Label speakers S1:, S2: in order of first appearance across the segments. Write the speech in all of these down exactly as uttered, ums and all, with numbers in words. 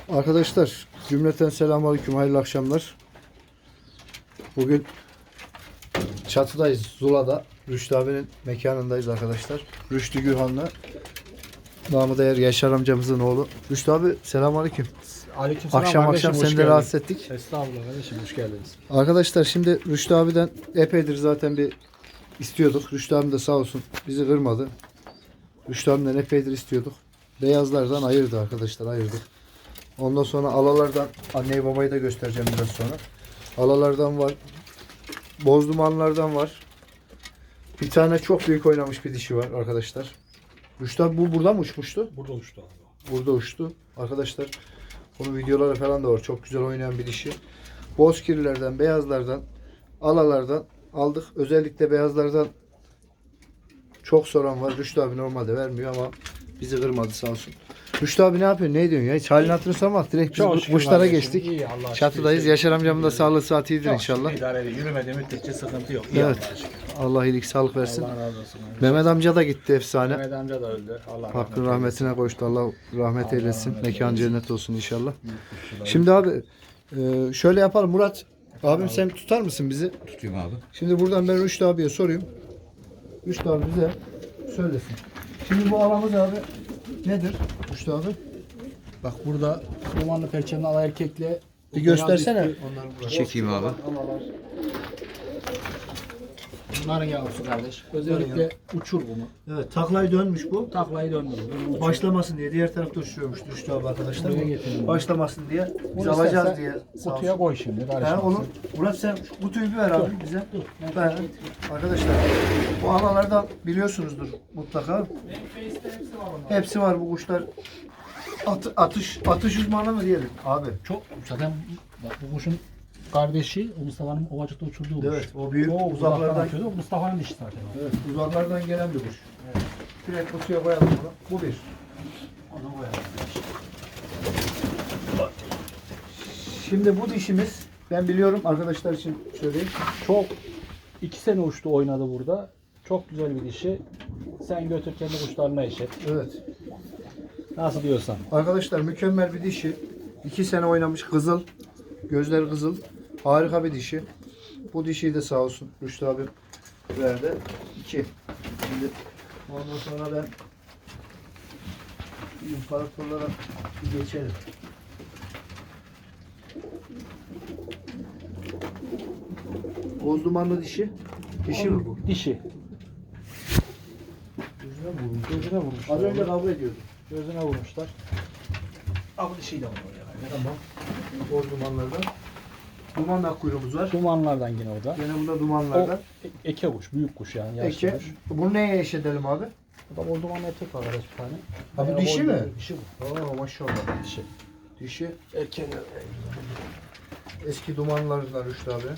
S1: Arkadaşlar cümleten selamünaleyküm, hayırlı akşamlar. Bugün çatıdayız, Zula'da. Rüştü abinin mekanındayız arkadaşlar. Rüştü Gürhan'la, namı değer Yaşar amcamızın oğlu. Rüştü abi selamünaleyküm.
S2: Aleykümselam
S1: Akşam
S2: kardeşim,
S1: akşam
S2: hoş
S1: seni de
S2: geldin.
S1: rahatsız ettik.
S2: Estağfurullah kardeşim, hoş geldiniz.
S1: Arkadaşlar şimdi Rüştü abiden epeydir zaten bir istiyorduk. Rüştü abim de sağ olsun bizi kırmadı. Rüştü abimden epeydir istiyorduk. Beyazlardan ayırdı arkadaşlar, ayırdık. Ondan sonra alalardan, anneyi babayı da göstereceğim biraz sonra. Alalardan var. Bozdumanlardan var. Bir tane çok büyük oynamış bir dişi var arkadaşlar. Rüştü abi bu buradan mı uçmuştu?
S2: Burada uçtu abi.
S1: Burada uçtu. Arkadaşlar bunun videoları falan da var. Çok güzel oynayan bir dişi. Bozkirlilerden, beyazlardan, alalardan aldık. Özellikle beyazlardan çok soran var. Rüştü abi normalde vermiyor ama bizi kırmadı sağ olsun. Rüştü abi ne yapıyor? Ne diyorsun ya? Hiç halini hatırını sormak. Direkt biz
S2: Çok
S1: bu-
S2: şükür
S1: kuşlara
S2: kardeşim,
S1: geçtik.
S2: iyi, Allah'a şükür.
S1: Çatıdayız. Yaşar amcamın da sağlığı saati iyidir
S2: Çok
S1: inşallah.
S2: şükür idare ediyor. Yürümediği müddetçe sıkıntı yok. İyi
S1: Evet.
S2: Allah'a şükür.
S1: Allah iyilik sağlık versin.
S2: Allah razı olsun.
S1: Mehmet amca da gitti efsane.
S2: Mehmet amca da öldü. Allah
S1: Hakkın
S2: rahmet
S1: rahmetine koştu. Allah rahmet
S2: Allah
S1: eylesin.
S2: rahmet
S1: Mekan
S2: eylesin.
S1: cennet olsun inşallah.
S2: eylesin.
S1: Şimdi abi e, şöyle yapalım. Murat abim sen tutar mısın bizi?
S3: Tutayım abi.
S1: Şimdi buradan ben Rüştü abiye sorayım. Rüştü abi bize söylesin. Şimdi bu alamız abi nedir Rüştü abi?
S2: Bak burada dumanlı perçemli ala erkekle
S1: Bir göstersene.
S2: beyaz
S1: Onları
S3: Çekeyim abi.
S2: alalar. Bunların yavrusu kardeş. Özellikle uçur bunu.
S1: Evet, taklayı dönmüş bu.
S2: Taklayı döndürür. Bunu uçur.
S1: Başlamasın diye diğer tarafta uçuruyormuş Rüştü abi arkadaşlar.
S2: Buraya getirelim.
S1: Başlamasın diye biz
S2: Bunu
S1: alacağız
S2: istersen
S1: diye. Sağ
S2: kutuya
S1: olsun.
S2: koy şimdi.
S1: He,
S2: karışmasın.
S1: onu Murat sen şu kutuyu bir ver abi bize.
S2: Dur. Ben
S1: Ben,
S2: getireyim.
S1: arkadaşlar bu alalardan biliyorsunuzdur mutlaka. Hepsi var bu kuşlar. At, atış atış uzmanı mı diyelim abi?
S2: Çok zaten bak bu kuşun kardeşi o Mustafa'nın Ovacık'ta uçurduğu kuş.
S1: Evet, o büyük
S2: O uzaklardan
S1: uzaklardan
S2: atıyordu. Mustafa'nın dişi zaten. o.
S1: evet, uzaklardan gelen bir kuş. Evet. Direkt kutuya koyalım bunu. Bu bir.
S2: Onu koyalım.
S1: Şimdi bu dişimiz ben biliyorum arkadaşlar için söyleyeyim.
S2: Çok iki sene uçtu oynadı burada. Çok güzel bir dişi. Sen götür kendi kuşlarına eşet.
S1: Evet.
S2: Nasıl diyorsan.
S1: Arkadaşlar mükemmel bir dişi. İki sene oynamış kızıl. Gözleri kızıl. Harika bir dişi. Bu dişiyi de sağ olsun Rüştü abi verdi. İki. Şimdi ondan sonra ben imparatorlara bir geçelim. Boz dumanlı dişi. Dişi mi bu?
S2: Dişi.
S1: Gözüne mi vurmuş?
S2: Gözüne vurmuşlar.
S1: Az önce kavga ediyordum.
S2: Gözüne vurmuşlar. Ama dişiyi de vuruyor yani.
S1: Tamam. Boz dumanlardan. Duman kuyruğumuz var.
S2: Dumanlardan yine o da.
S1: Gene bunda
S2: O
S1: dumanlardan.
S2: e- eke kuş, büyük kuş yani. Yaşlı
S1: Eke.
S2: kuş.
S1: Bunu neye eş edelim abi?
S2: Bu da bol dumanlı erkek var kardeş bir tane.
S1: Ha, bu
S2: Bayağı
S1: dişi
S2: bol
S1: mi?
S2: bir Dişi bu.
S1: Oo maşallah.
S2: Dişi.
S1: Dişi.
S2: Erkeğin
S1: Eski dumanlarından Rüştü abi.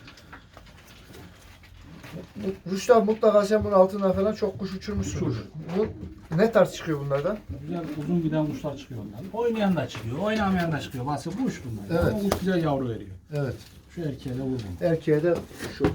S1: Rüştü abi mutlaka sen bunun altından falan çok kuş uçurmuşsun.
S2: Uçur.
S1: Bu ne tarz çıkıyor bunlardan?
S2: güzel uzun giden kuşlar çıkıyor ondan. Oynayan da çıkıyor, oynamayan da çıkıyor. Bahsi kuş bunlar.
S1: Evet.
S2: Ama kuş güzel yavru veriyor.
S1: Evet.
S2: Şu erkeğe de vurma.
S1: Erkeğe de şu.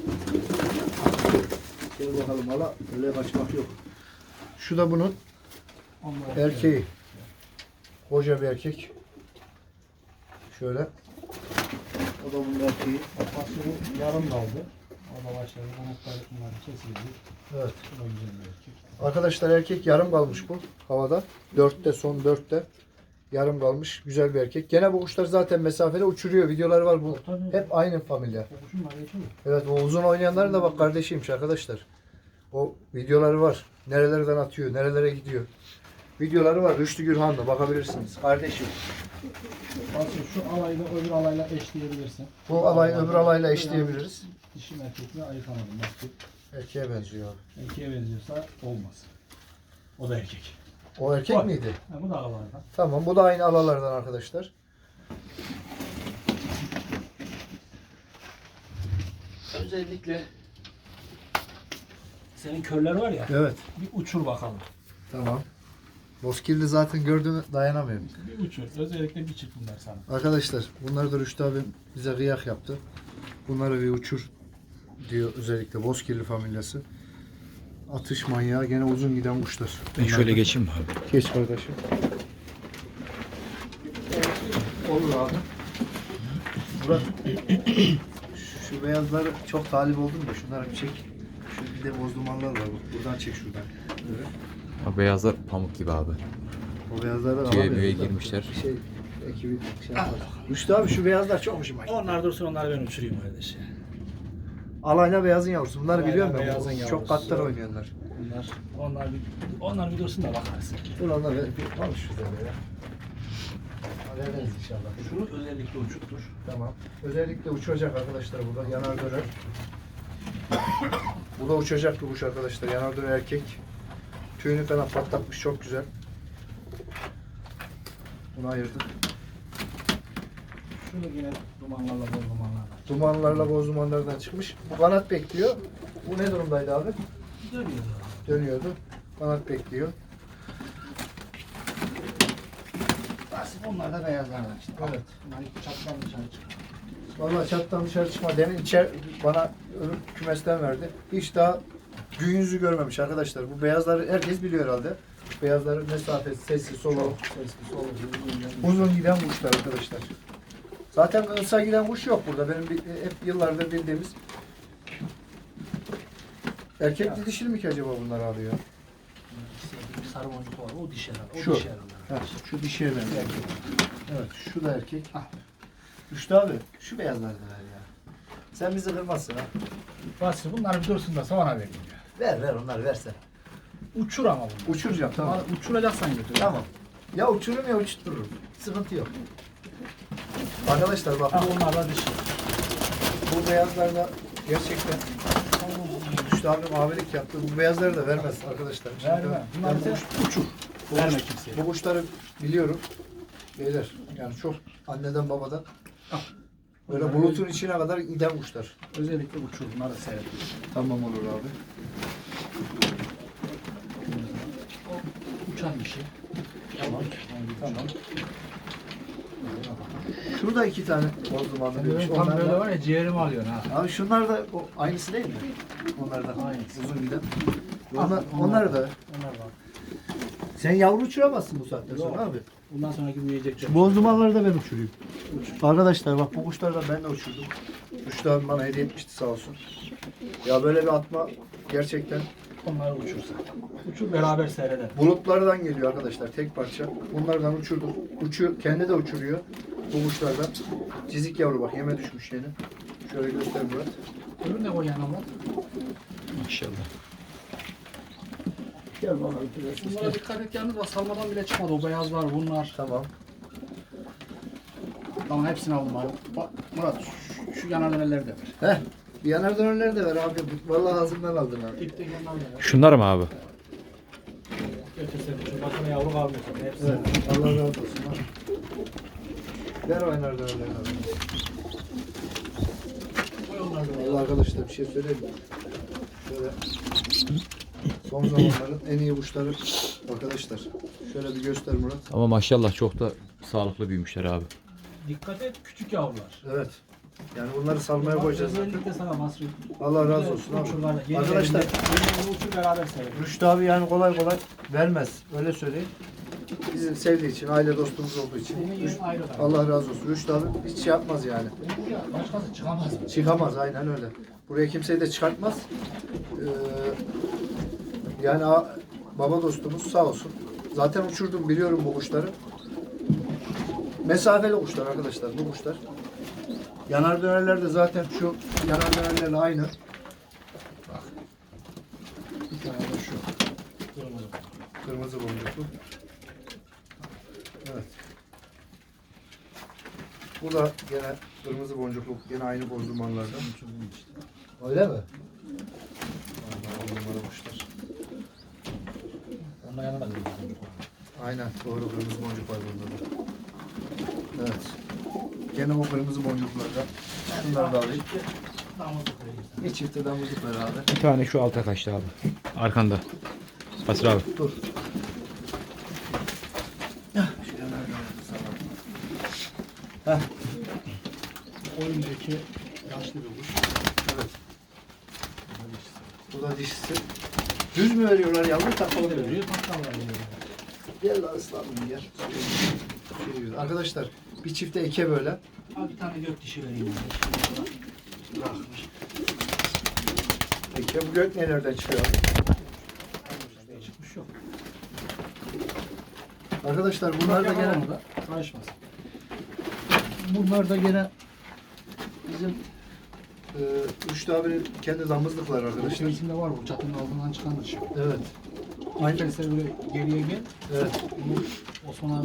S1: Gel bakalım hala. Öyle kaçmak yok. Şu da bunun
S2: Onlar
S1: erkeği. Koca bir erkek. Şöyle. O da bunun erkeği.
S2: Bahsi bu yarım kaldı. O da başladı. Kanatları bunlar kesildi.
S1: Evet.
S2: Bu da güzel bir erkek.
S1: Arkadaşlar erkek yarım kalmış bu havada. Dörtte son dörtte. Yarım kalmış. Güzel bir erkek. Gene bu kuşlar zaten mesafede uçuruyor. Videoları var bu.
S2: Tabii.
S1: Hep aynı familya.
S2: O kuşun var geçiyor.
S1: Evet o uzun oynayanların da bak kardeşiymiş arkadaşlar. O videoları var. Nerelerden atıyor, nerelere gidiyor. Videoları var. Rüştü Gürhan'da bakabilirsiniz. Kardeşim.
S2: Bahsi şu alayla öbür alayla eşleyebilirsin.
S1: Bu alay öbür alayla eşleyebiliriz.
S2: Dişi mi erkek mi ayıkamadım. Bak
S1: Erkeğe benziyor abi.
S2: erkeğe benziyorsa olmaz. O da erkek.
S1: O erkek
S2: Bak.
S1: miydi?
S2: Ha, bu da alalardan.
S1: Tamam bu da aynı alalardan arkadaşlar.
S2: Özellikle senin körler var ya.
S1: Evet.
S2: Bir uçur bakalım.
S1: Tamam. Bozkirli zaten gördüğümü dayanamıyorum.
S2: Bir uçur. Özellikle bir çık bunlar sana.
S1: Arkadaşlar bunları da Rüştü abim bize kıyak yaptı. Bunları bir uçur diyor özellikle Bozkirli familyası. Atış manyağı gene uzun giden kuşlar.
S3: Ben şöyle geçeyim mi abi?
S1: Geç kardeşim. Olur abi. Murat. Şu, şu beyazları çok talip oldum da şunları bir çek. Şu bir de boz dumanlar var. Bak. Buradan çek şuradan. Evet.
S3: O beyazlar pamuk gibi abi.
S1: O beyazlardan
S3: Tüye
S1: alamıyorum.
S3: müye
S1: Zaten.
S3: girmişler.
S1: Bir şey ekibi şey yapar. Rüştü abi şu beyazlar çok hoşuma gitti.
S2: Onlar dursun, onları ben uçurayım kardeş.
S1: Alayna beyazın yavrusu. Bunları
S2: Alayna
S1: biliyorum ben.
S2: beyazın
S1: Çok
S2: yavrusu.
S1: katlar oynuyorlar.
S2: Onlar, onlar bir, onlar bir dursun da bakarsın.
S1: Dur onlar bir konuş üzerine ya. Hallederiz inşallah.
S2: Şunu özellikle uçuttur.
S1: Tamam. Özellikle uçacak arkadaşlar burada. Yanar döner. Bu da uçacak bir kuş arkadaşlar. Yanar döner erkek. Tüyünü falan patlatmış. Çok güzel. Bunu ayırdık.
S2: Şunu yine dumanlarla, bol dumanlarla.
S1: Dumanlarla boz dumanlardan çıkmış. Bu kanat bekliyor. Bu ne durumdaydı abi?
S2: Dönüyor.
S1: Dönüyordu. Kanat bekliyor.
S2: Nasip onlar da beyazlardan işte.
S1: Evet.
S2: Bunlar ilk çattan dışarı çıkıyor.
S1: Vallahi çattan dışarı çıkma. Demin içer bana öbür kümesten verdi. Hiç daha gün yüzü görmemiş arkadaşlar. Bu beyazları herkes biliyor herhalde. Beyazların mesafesi, sesi, solu,
S2: Sesli, solu, uzun,
S1: uzun giden kuşlar arkadaşlar. Zaten kısa giden kuş yok burada. Benim bir- hep yıllardır bildiğimiz. Erkek mi dişil mi ki acaba bunlar abi ya?
S2: bir sarı boncuk var. O dişi herhalde. O
S1: Şu.
S2: dişi herhalde.
S1: Ha, şu dişiye benziyor. Evet, şu da erkek.
S2: Ah.
S1: Rüştü abi, şu beyazlar da ver ya. Sen bizi kırmazsın ha.
S2: Basri bunlar bir dursun da sonra vereyim.
S1: Ver ver onları versen.
S2: Uçur ama bunu.
S1: Uçuracağım tamam.
S2: Tamam. Uçuracaksan götür.
S1: Tamam. Ya uçururum ya uçtururum. Sıkıntı yok. Arkadaşlar bak
S2: Ha,
S1: bu,
S2: onlar da dişi.
S1: bu beyazlarla gerçekten Rüştü abim abilik yaptı. Bu beyazları da vermez arkadaşlar. Şimdi
S2: Verme.
S1: ben-
S2: Bunlar
S1: ben
S2: bize
S1: bu kuş-
S2: uçur.
S1: bu
S2: Verme
S1: kuş-
S2: kimseye.
S1: Bu kuşları biliyorum. Beyler yani çok anneden babadan
S2: Al.
S1: böyle
S2: Bunları
S1: bulutun içine kadar giden kuşlar.
S2: Özellikle uçur. Bunları da seyret.
S1: Tamam olur abi.
S2: O uçan dişi. Tamam.
S1: Tamam. Şurada iki tane boz dumanlı
S2: Sen
S1: büyümüş.
S2: böyle tam
S1: Onlar
S2: böyle
S1: da,
S2: var ya ciğerimi alıyorsun ha.
S1: abi şunlar da o aynısı değil mi? Onlar da
S2: Aynısı.
S1: uzun giden.
S2: Ah,
S1: Onlar,
S2: onlar
S1: onlar da.
S2: Onlar var.
S1: Sen yavru uçuramazsın bu saatten sonra
S2: Yok.
S1: abi.
S2: Bundan sonraki büyüyecek.
S1: Şu boz dumanları da ben uçurayım. Arkadaşlar bak bu kuşları da ben de uçurdum. Rüştü abi bana hediye etmişti sağ olsun. Ya böyle bir atma gerçekten
S2: Onları uçursa. Uçur beraber seyredelim.
S1: bulutlardan geliyor arkadaşlar tek parça. Bunlardan uçurdum. Uçuyor, kendi de uçuruyor. Bu kuşlardan. Cizik yavru bak yeme düşmüş yeni. Şöyle göster Murat.
S2: Öbürü ne koy yanıma?
S3: Maşallah.
S1: Gel bana
S2: Bunlara dikkat et yalnız bak salmadan bile çıkmadı. O beyazlar bunlar.
S1: Tamam.
S2: Tamam hepsini aldım abi. Bak Murat şu, şu yanar dönerleri de ver.
S1: Heh. Bir yanar dönerleri de ver abi. Vallahi ağzımdan aldın abi.
S2: İpteki yanlar da ver.
S3: Şunlar mı abi?
S2: Götürsene şu başına yavru kalmıyor sana. Hepsini.
S1: Evet. Allah razı olsun. ha. Ver o yanar dönerleri abi.
S2: Koy onları da.
S1: Vallahi arkadaşlar bir şey söyleyeyim mi? Şöyle son zamanların en iyi kuşları arkadaşlar. Şöyle bir göster Murat.
S3: Ama maşallah çok da sağlıklı büyümüşler abi.
S2: Dikkat et küçük yavrular.
S1: Evet. Yani bunları salmaya koyacağız zaten.
S2: Özellikle sana Masri.
S1: Allah razı olsun abi.
S2: Uçurlar. Yeni
S1: Arkadaşlar
S2: yerinde- yeni uçur beraber seyredelim.
S1: Rüştü abi yani kolay kolay vermez. Öyle söyleyeyim. Bizi sevdiği için, aile dostumuz olduğu için.
S2: Senin yerin ayrı da.
S1: Allah razı olsun. Rüştü abi hiç şey yapmaz yani.
S2: Başkası çıkamaz mı?
S1: Çıkamaz aynen öyle. Buraya kimseyi de çıkartmaz. Ee, yani a- baba dostumuz sağ olsun. Zaten uçurdum biliyorum bu kuşları. Mesafeli kuşlar arkadaşlar bu kuşlar. Yanar dönerler de zaten şu yanar dönerlerle aynı.
S2: Bir tane de şu. Kırmızı.
S1: Kırmızı boncuklu. Evet. Bu da gene kırmızı boncuklu. Gene aynı boz dumanlardan.
S2: Uçurdum işte.
S1: Öyle mi? Vallahi on numara kuşlar.
S2: Ondan yana da kırmızı boncuk var.
S1: Aynen doğru kırmızı boncuk var burada da. Evet. Gene o kırmızı boncuklardan. Şunları da alayım.
S2: Damızlık koyuyoruz.
S1: Bir çifte damızlık ver abi.
S3: Bir tane şu alta kaçtı abi. Arkanda. Basri abi.
S1: Dur. Hah, şöyle nereden sana. Heh,
S2: Oyundaki yaşlı bir kuş.
S1: evet. Bu da dişisi. Düz mü veriyorlar yavru takmalı mı veriyor?
S2: Veriyor, patlar var.
S1: Gel lan ıslanmayın gel. Şey diyor. Arkadaşlar Bir çifte eke böyle.
S2: Abi bir tane gök dişi vereyim. Bırakmış.
S1: Eke bu gök nelerden çıkıyor abi?
S2: Çıkmış yok.
S1: Arkadaşlar bunlar da gene
S2: da karışmaz.
S1: bunlar da gene bizim e, Rüştü abinin kendi damızlıklar arkadaşlar.
S2: İçerisinde var bu çatının altından çıkan dışı.
S1: Evet.
S2: Aynı böyle geriye gel.
S1: Evet.
S2: Bu Osman abi